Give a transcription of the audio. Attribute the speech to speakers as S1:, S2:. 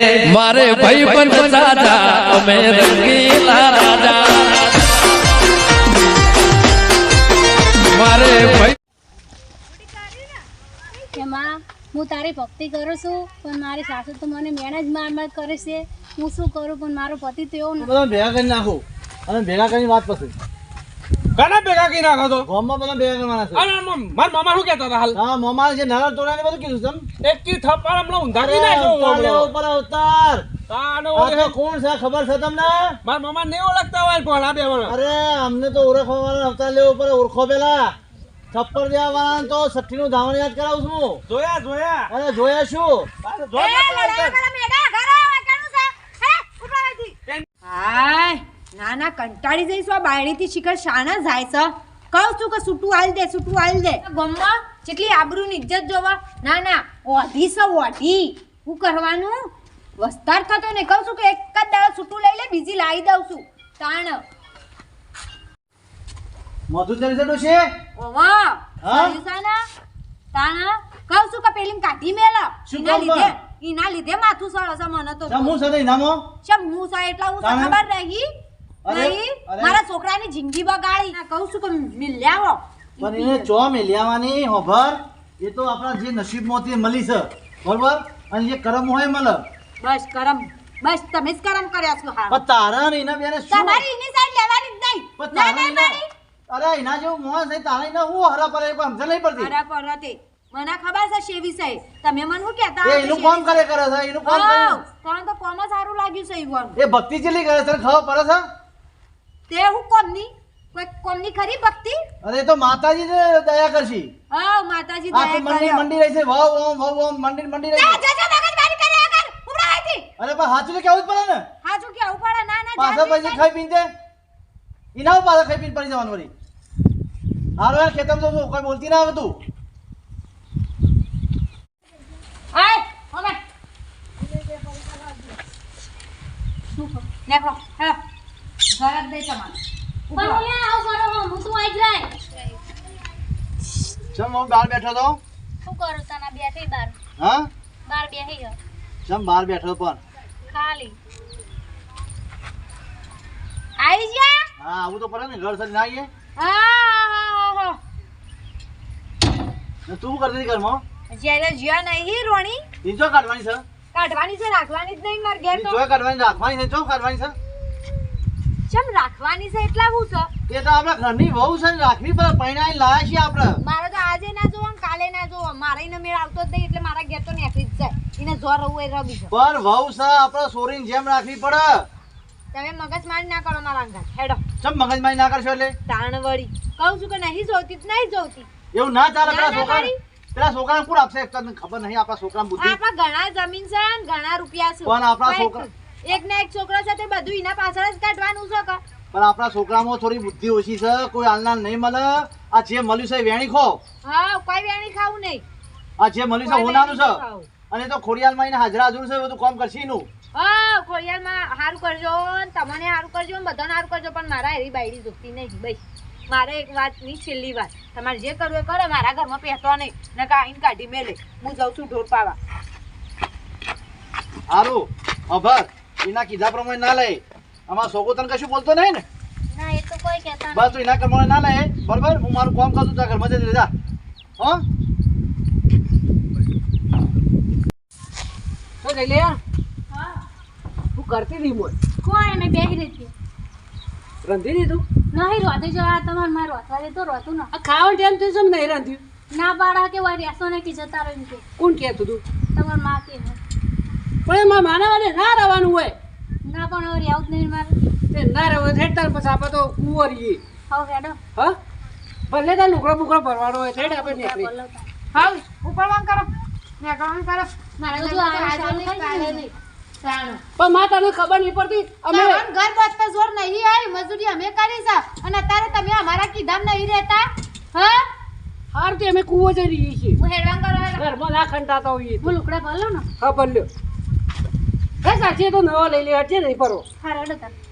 S1: મારે ભાઈ પણ રાજા અમે રંગીલા રાજા મારે ભાઈ
S2: એમાં હું તારી ભક્તિ કરું છું પણ મારી સાસુ તો મને મેણ જ માર કરે છે હું શું કરું પણ મારો પતિ તો એવો
S3: બધા ભેગા કરી નાખો અને ભેગા કરીને વાત પછી
S4: ઘણા ભેગા કરી નાખો તો
S3: ગામમાં બધા ભેગા કરવાના છે
S4: અરે મારા મામા શું કહેતા હતા હાલ
S3: હા મામા જે નાના તોડાને બધું કીધું તમ
S4: એક કી થપ્પડ હમણાં ઊંધારી નાખ્યો
S3: ઉપર અવતાર
S4: તાનો
S3: આ કોણ છે ખબર છે તમને
S4: મારા મામા ને ઓળખતા હોય પણ આ બે
S3: અરે અમને તો ઓળખવાના અવતાર લેવો પડે ઓળખો પેલા થપ્પડ દેવા વાળા તો 60 નું ધાવણ યાદ કરાવું છું
S4: જોયા
S3: અરે જોયા શું
S5: હાય ના ના કંટાળી જઈશું આ બાયડીથી શિખર શાના જાય છે કહું છું કે છૂટું હાલ દે ગમવા જેટલી આબરૂની ઇજ્જત જોવા ના ના ઓઢી છે ઓઢી શું કરવાનું વસ્તાર થતો ને કહું છું કે એક જ દાડો છૂટું લઈ લે બીજી લાવી દઉં છું તાણ
S3: મધુ ચરી છે
S5: ઓવા
S3: હા?
S5: સયુસાના તાણ કહું છું કે પેલી કાઢી મેલા
S3: શું
S5: એના
S3: કામ
S5: લીધે
S3: પણ?
S5: એના લીધે માથું સળો છે મને તો
S3: હું સાથે નામો
S5: શમ હું સા એટલા હું
S3: તાણે?
S5: ખબર રહી
S3: અરે,
S5: નહીં
S3: અરે.
S5: મારા છોકરાની જિંદગી બગાડી ના કહું છું કે મિલ્યાવો
S3: પણ એને ચો મેલિયાવાની હોભર એ તો આપણા જે નસીબમાંથી મળી છે બરોબર અને જે કરમ હોય મળે
S5: બસ કરમ બસ તમે જ કરમ કર્યા છો હા
S3: પણ તારા ને એના બેને શું
S5: તમારી એની સાઈડ લેવાની જ નહીં
S3: પણ
S5: ના
S3: તારા
S5: ના
S3: એના-
S5: મારી
S3: અરે એના જેવું મોહ છે તારા એના હું હરા પર સમજ નહીં પડતી
S5: અરે પરતે મને ખબર છે શેવી છે તમે મને શું કહેતા
S3: એ એનું કામ કરે છે એનું કામ કરે
S5: તને તો કોમ સારું લાગ્યું છે ઈવન
S3: એ ભક્તિ ચેલી કરે છે ખબર પડે છે
S5: તે હું કોમની કોઈ કોમની ખરી ભક્તિ
S3: અરે એ તો માતાજી ને દયા કરશી
S5: હા માતાજી
S3: આ તો
S5: દયા
S3: મંડી
S5: કર્યો
S3: મંડી રહી છે વાવ ઓમ મંડી રહી છે
S5: જા મગજમારી કર્યા કર ઉભરા આથી
S3: અરે પણ હાચું તો કેવું જ પડે ને
S5: હાજુ કે ઉપાડા ના ના
S3: પાછા પછી ખાઈ પીને એના ઉપર પાછા ખાઈ પીને પડી જવાનું વળી હારો યાર ખેતર તો કોઈ બોલતી ના આવે તું
S5: આય હવે નેકો હેલો ઘર દે તમારે
S2: પણ હું આવું કરો હું તું આઈ જાય
S3: ચમ હું બહાર બેઠો તો
S2: શું કરું તને બેઠી બાર
S3: હા
S2: બાર બેહી ગયો
S3: ચમ બહાર બેઠો પણ
S2: ખાલી
S5: આવી જા
S3: હા આવું તો પડે ને ઘર સરી ના આવીએ
S5: હા
S3: ને તું કરતી હતી ઘરમાં
S5: જ્યારે જ્યાં નહીં રોણી
S3: ઈ જો કાઢવાની છે
S5: કાઢવાની છે રાખવાની જ નહીં માર ઘેર
S3: ઈ
S5: તો
S3: જો કાઢવાની રાખવાની છે જો કાઢવાની છે
S5: ચમ રાખવાની છે એટલા હું છે
S3: એ તો આપણા ઘરની વહુ છે ને રાખવી પડે પૈણાઈ લાયા છીએ આપણે
S5: મારે તો આજે ના જોવો ને કાલે ના જોવો મારે એને મેળ આવતો જ નહીં એટલે મારા ઘેર તો નીકળી જ જાય એને જોર રહું એ રબી છે
S3: પર વહુ છે આપણે સોરીની જેમ રાખવી પડે
S5: તમે મગજ મારી ના કરો મારા અંગાત હેડો
S3: ચમ મગજમારી ના કરશો એટલે
S5: તાણ વળી કહું છું કે નહીં જોતી જ નહીં જોતી
S3: એવું ના ચાલે
S5: ના,
S3: પેલા
S5: ના,
S3: છોકરા
S5: મારી.
S3: પેલા છોકરાને કોણ આપશે એક તો તને ખબર નહીં આપણા છોકરા બુદ્ધિ
S5: આપણા ઘણા જમીન છે ને ઘણા રૂપિયા છે
S3: પણ આપણા
S5: કોઈ
S3: છોકરા-
S5: એક ના એક છોકરો છે તે બધું એના પાછળ જ કાઢવાનું છે કે
S3: પણ આપણા છોકરામાં થોડી બુદ્ધિ ઓછી છે કોઈ હાલના નહીં મળે આ જે મળ્યું છે એ વેણી ખો
S5: હા કોઈ વેણી ખાવું નહીં
S3: આ જે મળ્યું છે
S5: કોઈ
S3: હોનાનું છે
S5: વેણી નહીં ખાવું.
S3: અને તો ખોડિયાલમાં એને હાજરા હજુર છે એ બધું કામ કરશે એનું
S5: હા ખોડિયારમાં સારું કરજો ને તમને સારું કરજો ને બધાને સારું કરજો પણ મારા એવી બાયડી જોતી નહીં બસ મારે એક વાત ની છેલ્લી વાત તમારે જે કરવું એ કરો મારા ઘરમાં પહેતો નહીં ને કાઢીને કાઢી મેલે હું જાઉં છું ઢોર પાવા
S3: સારું અભર એના કીધા પ્રમાણે ના લે આમાં છોકરો તને કશું બોલતો નહીં ને
S2: ના એ તો કોઈ કહેતા
S3: બસ તું એના પ્રમાણે ના લે બરોબર હું મારું કામ કરું ત્યાં ઘરમાં જઈ જા હો
S4: તો જઈ લે
S2: હા
S4: તું કરતી હતી મોય
S2: કોણ એને બેહી રહેતી
S4: રંધી દીધું
S2: નહીં રોતે જવા તમારે મારે રોતવા દે તો રોતું ના
S4: આ ખાવાનું ટાઈમ થયું છે નહીં રાંધ્યું
S2: ના પાડા કે વળી રહેશો ને કે જતા રહ્યું કે
S4: કોણ કહેતું તું
S2: તમારી માં કે
S4: પણ એમાં માના વાને ના રહેવાનું હોય
S2: ના પણ હવે આવું જ નહીં મારે
S4: તે ના રહેવું હેડ તાર પછી આપણે તો કુંવરીએ
S2: હવે હેડો
S4: હા ભલે તાર લુકડો બુકડો ભરવાનો હોય હેડ આપણે નીકળી
S2: બોલાવતા
S5: હા ઉપાડવાનું કરો નીકળવાનું કરો મારા
S2: બધું
S5: ઘરમાં તો
S2: આનું
S5: આજે
S2: સારું
S5: નહીં કાલે
S2: થઈ
S5: નહીં સારું
S4: પણ માં તને ખબર નહીં પડતી અમે
S5: તમારું ઘર બાંધતા જોર નહીં આવી મજૂરી અમે કરી છે અને અત્યારે તમે અમારા કીધામ નહીં રહેતા હા
S4: હાર તે અમે કુવો જઈ રહીએ છીએ
S5: હું હેડવાન કરવા
S4: ઘરમાં ના ખંટાતા હોઈએ
S2: હું લુકડા ભલો ને
S4: હા ભલ્યો કઈ સાચી તો નવા લઈ લે હટજે નહીં પરો
S2: હા હેડો તાર